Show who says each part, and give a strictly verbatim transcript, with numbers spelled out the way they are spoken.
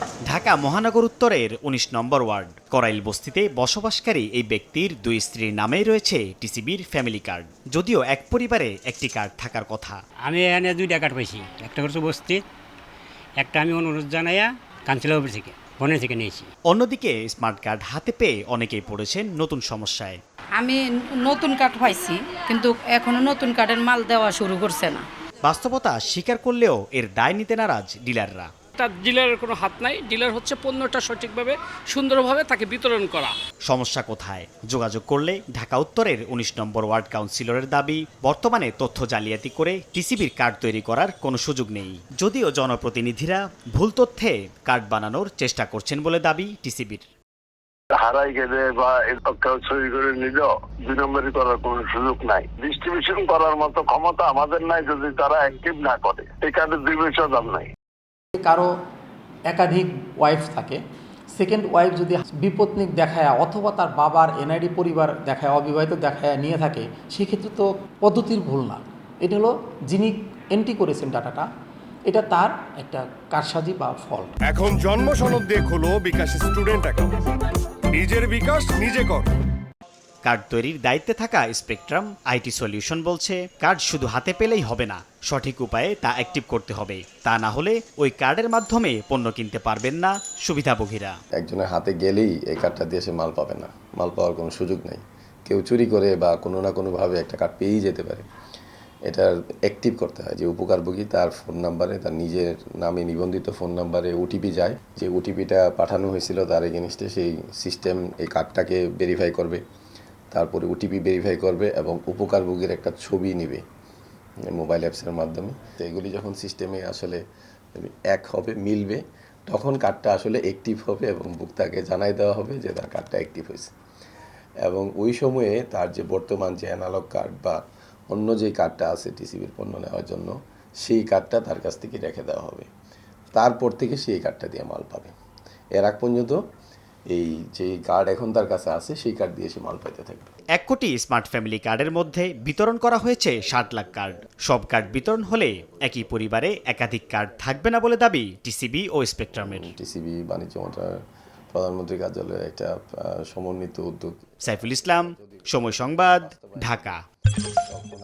Speaker 1: ঢাকা মহানগর উত্তরের উনিশ নম্বর ওয়ার্ড করাইল বস্তিতে বসবাসকারী এই ব্যক্তির দুই স্ত্রীর নামেই রয়েছে টিসিবির ফ্যামিলি কার্ড। যদিও এক পরিবারে একটি কার্ড থাকার কথা।
Speaker 2: আমি এখানে দুইটা কার্ড পাইছি, একটা করছে বস্তি, একটা আমি অনুরোধ জানাইয়া কাউন্সিলর অফিস থেকে বনের থেকে নিয়েছি।
Speaker 1: অন্যদিকে স্মার্ট কার্ড হাতে পেয়ে অনেকেই পড়েছেন নতুন সমস্যায়।
Speaker 3: আমি নতুন কার্ড পাইছি, কিন্তু এখনো নতুন কার্ডের মাল দেওয়া শুরু করছে না।
Speaker 1: বাস্তবতা স্বীকার করলেও এর দায় নিতে নারাজ ডিলাররা।
Speaker 4: তার ডিলারের কোনো হাত নাই। ডিলার হচ্ছে পণ্যটা সঠিকভাবে সুন্দরভাবে তাকে বিতরণ করা।
Speaker 1: সমস্যা কোথায়? যোগাযোগ করলে ঢাকা উত্তরের উনিশ নম্বর ওয়ার্ড কাউন্সিলরের দাবি, বর্তমানে তথ্য জালিয়াতি করে টিসিবির কার্ড তৈরি করার কোনো সুযোগ নেই। যদিও জনপ্রতিনিধিরা ভুল তথ্যে কার্ড বানানোর চেষ্টা করছেন বলে দাবি টিসিবির।
Speaker 5: হারাই গেলে বা কেউ চুরি করে নিল, দুই নম্বরই করার কোনো সুযোগ নাই। ডিস্ট্রিবিউশন করার মতো ক্ষমতা আমাদের নাই যদি তারা অ্যাক্টিভ না করে। এই কার্ডের দুই পয়সা দাম নাই।
Speaker 6: কারো একাধিক ওয়াইফ থাকে, সেকেন্ড ওয়াইফ যদি বিপত্নিক দেখায় অথবা তার বাবার এনআইডি পরিবার দেখায়, অবিবাহিত দেখায় নিয়ে থাকে, সেক্ষেত্রে তো পদ্ধতির ভুল না। এটা হলো যিনি এন্ট্রি করেছেন ডাটাটা, এটা তার একটা কারসাজি বা ফল্ট।
Speaker 7: এখন জন্ম সনদ দিয়ে খোলো বিকাশ স্টুডেন্ট অ্যাকাউন্ট। নিজের বিকাশ নিজে কর।
Speaker 1: কার্ড তৈরির দায়িত্বে থাকা স্পেকট্রাম আইটি সলিউশন বলছে, কার্ড শুধু হাতে পেলেই হবে না, সঠিক উপায়ে তা অ্যাক্টিভ করতে হবে। তা না হলে ওই কার্ডের মাধ্যমে পণ্য কিনতে পারবেন না সুবিধাভোগীরা।
Speaker 8: একজনের হাতে গেলেই এই কার্ডটা দিয়ে সে মাল পাবে না, মাল পাওয়ার কোনো সুযোগ নেই। কেউ চুরি করে বা কোনো না কোনোভাবে একটা কার্ড পেয়েই যেতে পারে। এটা অ্যাক্টিভ করতে হয় যে উপকারভোগী তার ফোন নাম্বারে, তার নিজের নামে নিবন্ধিত ফোন নাম্বারে ওটিপি যায়। যে ওটিপিটা পাঠানো হয়েছিল তার এগেনস্টে সেই সিস্টেম এই কার্ডটাকে ভেরিফাই করবে, তারপরে ওটিপি ভেরিফাই করবে এবং উপকারভোগীর একটা ছবি নেবে মোবাইল অ্যাপসের মাধ্যমে। তো এগুলি যখন সিস্টেমে আসলে এক হবে, মিলবে, তখন কার্ডটা আসলে অ্যাক্টিভ হবে এবং ভোক্তাকে জানাই দেওয়া হবে যে তার কার্ডটা অ্যাক্টিভ হয়েছে। এবং ওই সময়ে তার যে বর্তমান যে অ্যানালগ কার্ড বা অন্য যে কার্ডটা আছে টিসিবির পণ্য নেওয়ার জন্য, সেই কার্ডটা তার কাছ থেকে রেখে দেওয়া হবে। তারপর থেকে সেই কার্ডটা দিয়ে মাল পাবে। এর আগ পর্যন্ত এই যে কার্ড এখন তার কাছে আছে সেই কার্ড দিয়ে সে মাল পাইতে থাকবে।
Speaker 1: এক কোটি স্মার্ট ফ্যামিলি কার্ডের মধ্যে বিতরণ করা হয়েছে ষাট লাখ কার্ড। সব কার্ড বিতরণ হলে একই পরিবারে একাধিক কার্ড থাকবে না বলে দাবি টিসিবি ও স্পেকট্রামের।
Speaker 8: টিসিবি বাণিজ্য মন্ত্রণালয়ের প্রধানমন্ত্রী কার্যালয়ের একটা সমন্বিত উদ্যোগ।
Speaker 1: সাইফুল ইসলাম, সময় সংবাদ, ঢাকা।